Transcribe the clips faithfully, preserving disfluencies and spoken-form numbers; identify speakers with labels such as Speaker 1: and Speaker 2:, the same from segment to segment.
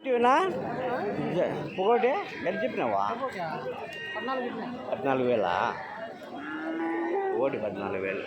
Speaker 1: చెప్తున్నా ఒకటి ఎంత చెప్పినావా? పద్నాలుగు వేలా? ఒకటి పద్నాలుగు వేలు.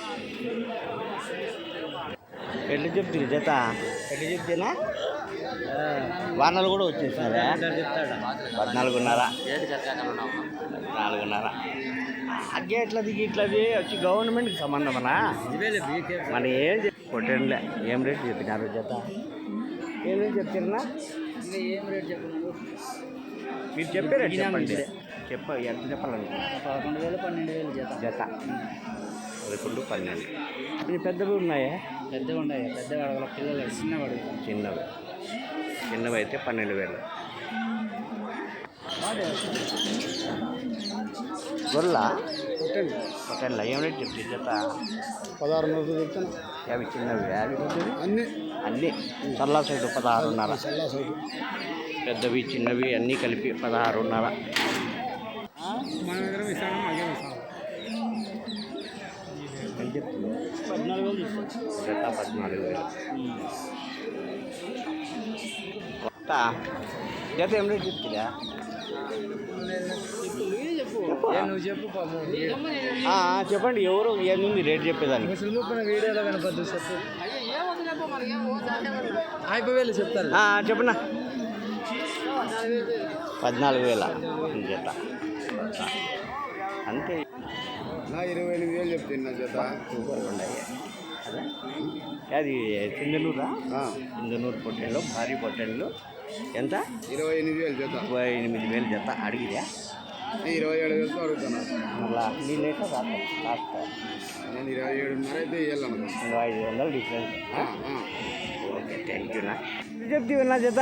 Speaker 1: ఎట్లా చెప్తుంది జత? ఎట్లా చెప్తేనా వానలు కూడా వచ్చేసినారా? పద్నాలుగున్నర పద్నాలుగున్నర అగ్గే ఎట్లది ఇట్లది వచ్చి గవర్నమెంట్కి సంబంధమనా? మన ఏం కొట్టండిలే. ఏం రేటు చెప్పినారు జత? ఏం రేటు చెప్తారన్నా?
Speaker 2: ఏం రేట్ చెప్పినారు
Speaker 1: మీరు చెప్పే రేటు చెప్పండి. చెప్ప ఎంత చెప్పాలనుకుంటున్నా?
Speaker 2: పదకొండు వేలు పన్నెండు వేలు జత
Speaker 1: జత పదకొండు పన్నెండు. ఇవి పెద్దవి ఉన్నాయా?
Speaker 2: పెద్దగా ఉన్నాయి. పెద్దగా అడగల పిల్లలు చిన్నవి అడుగుతాం.
Speaker 1: చిన్నవి చిన్నవి అయితే పన్నెండు వేలు. గొర్రెల
Speaker 2: కొట్టండి
Speaker 1: పొట్టెన్ల ఏం రేట్ చెప్తే జత?
Speaker 2: పదహారు వందలు చెప్తాను.
Speaker 1: అవి చిన్నవి అవి
Speaker 2: అన్నీ
Speaker 1: అన్నీ చల్లా సైడు పదహారున్నర.
Speaker 2: చల్లా సైడు
Speaker 1: పెద్దవి చిన్నవి అన్నీ కలిపి పదహారున్నర.
Speaker 2: మన దగ్గర ఇస్తాను మాకే ఇస్తాను. పద్నాలుగు వేలు
Speaker 1: జత పద్నాలుగు వేలు. జత ఏం రేట్ చెప్తుందా?
Speaker 2: నువ్వు చెప్పు
Speaker 1: చెప్పండి. ఎవరు ఏముంది రేట్ చెప్పేదాన్ని?
Speaker 2: వీడియోలో కనపద్దు చెప్పు. అయిపోయి వేలు చెప్తారు.
Speaker 1: చెప్పనా? పద్నాలుగు వేల జత అంతే.
Speaker 2: ఇరవై ఎనిమిది వేలు చెప్తున్నా జత.
Speaker 1: సూపర్ ఉన్నాయి. అది సింధనూరా? సింధనూరు పొట్టెళ్ళు భారీ పొట్టెళ్ళు ఎంత?
Speaker 2: ఇరవై ఎనిమిది వేలు జత.
Speaker 1: ఇరవై ఎనిమిది వేలు జత. అడిగిరా?
Speaker 2: ఇరవై ఏడు వేలతో అడుగుతున్నాను.
Speaker 1: మళ్ళా నీ లేక రాస్తా లాస్ట్
Speaker 2: నేను ఇరవై ఏడున్నర అయితే ఇవ్వాలను.
Speaker 1: ఐదు వందలు డిఫరెన్స్. ఓకే థ్యాంక్ యూనా. చెప్ತೀవన్నా జత?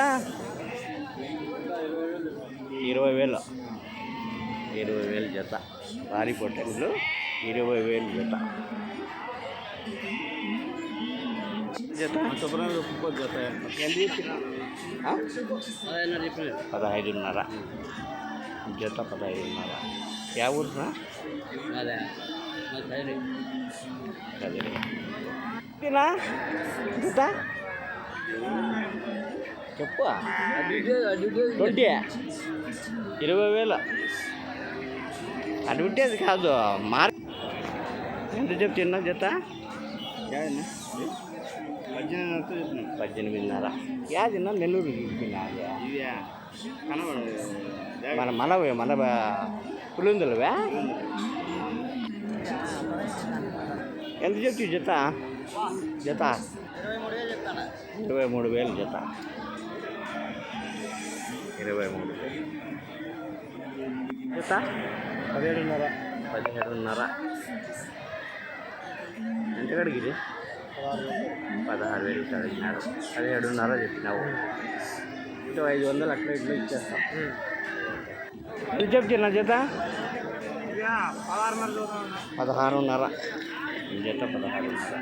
Speaker 1: ఇరవై వేలు ఇరవై వేలు జత. భారీ పొట్టెళ్ళు ఇరవై వేలు జత. జత
Speaker 2: జత
Speaker 1: ఎంత చెప్పినా? పదహైదున్నర జత. పదహైదున్నర. యా ఊరునా?
Speaker 2: అదే
Speaker 1: అదేనా జత? చెప్పు. ట్వంటీ ఇరవై వేలు అడ్వర్టైజ్ కాదు. మార్ ఎంత చెప్తున్నా జత? పద్దెనిమిదిన్నర. యాదిన్నా నెల్లూరు చూపినా? మన మనవే మన పులిందులవే. ఎంత చెప్తు జత? జత ఇరవై మూడు వేలు జత. ఇరవై మూడు వేలు జత.
Speaker 2: పదిహేడున్నర
Speaker 1: పదిహేడున్నర. ఎంత కడిగిరి? పదహారు వేలు అడిగినారు. పదిహేడున్నర చెప్పినావు. ఇటు ఐదు వందలు అట్లా ఇట్లా ఇచ్చేస్తాం. ఎంత చెప్తున్నా జత? పదహారున్నర జత. పదహారున్నర.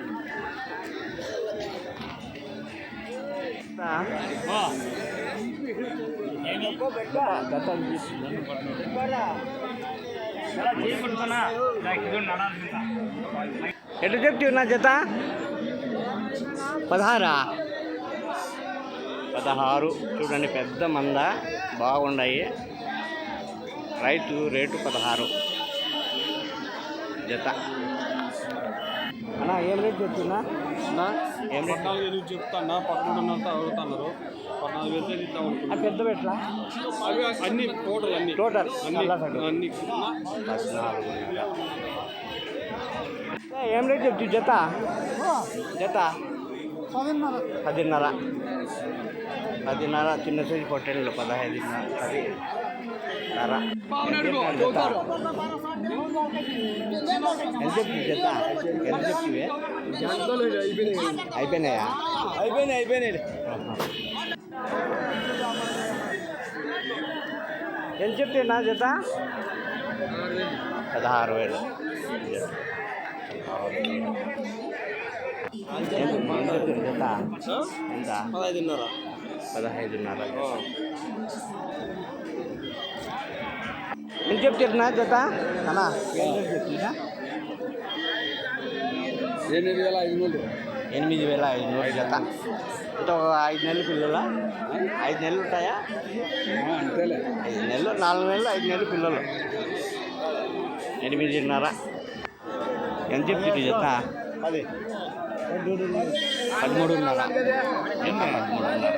Speaker 1: ఎట్లా చెప్తున్నా జత? పదహారా? పదహారు. చూడండి పెద్ద మంద బాగున్నాయి. రైతు రేటు పదహారు జత. అన్నా ఏం రేట్ చెప్తున్నా? ఏం రేట్?
Speaker 2: పద్నాలుగు వేలు చెప్తాను. పదకొండున్నర అడుగుతున్నారు. పద్నాలుగు వేలు ఇద్దాం.
Speaker 1: అది పెద్ద పెట్లా?
Speaker 2: అవి అన్ని టోటల్ అన్ని
Speaker 1: టోటల్
Speaker 2: అన్ని అన్ని
Speaker 1: పద్నాలుగు. ఏం రేట్ చెప్తు జత? జత పదిన్నర. పదిన్నర. చిన్న సైజు పొట్టెళ్ళు పదహైదున్నర. పదిన్నర. ఎంత చెప్తు జత? ఎంత చెప్తివే? అయిపోయినాయా?
Speaker 2: అయిపోయినాయి అయిపోయినాయి.
Speaker 1: ఎంత చెప్తున్నా జత? పదహారు వేలు జత. ఎంత?
Speaker 2: పదహైదున్నర.
Speaker 1: పదహైదున్నర. ఎంత చెప్తున్నా జత? అన్నా ఏం చెప్తున్నా?
Speaker 2: ఎనిమిది వేల ఐదు వందలు.
Speaker 1: ఎనిమిది వేల ఐదునూరు జత. అంటే ఒక ఐదు నెలలు పిల్లల ఐదు నెలలు ఉంటాయా?
Speaker 2: అంతేలే.
Speaker 1: ఐదు నెలలు, నాలుగు నెలలు, ఐదు నెలలు పిల్లలు. ఎనిమిదిన్నర. ఎంత చెప్తుంది జత?
Speaker 2: అది
Speaker 1: పదమూడున్నర. జత పదమూడున్నర.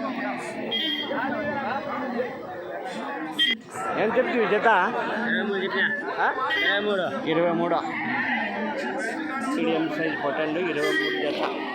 Speaker 1: ఎంత చెప్తుంది జత? ఆ? ఇరవై మూడు. మీడియం సైజ్ పొట్టండు ఇరవై మూడు జత.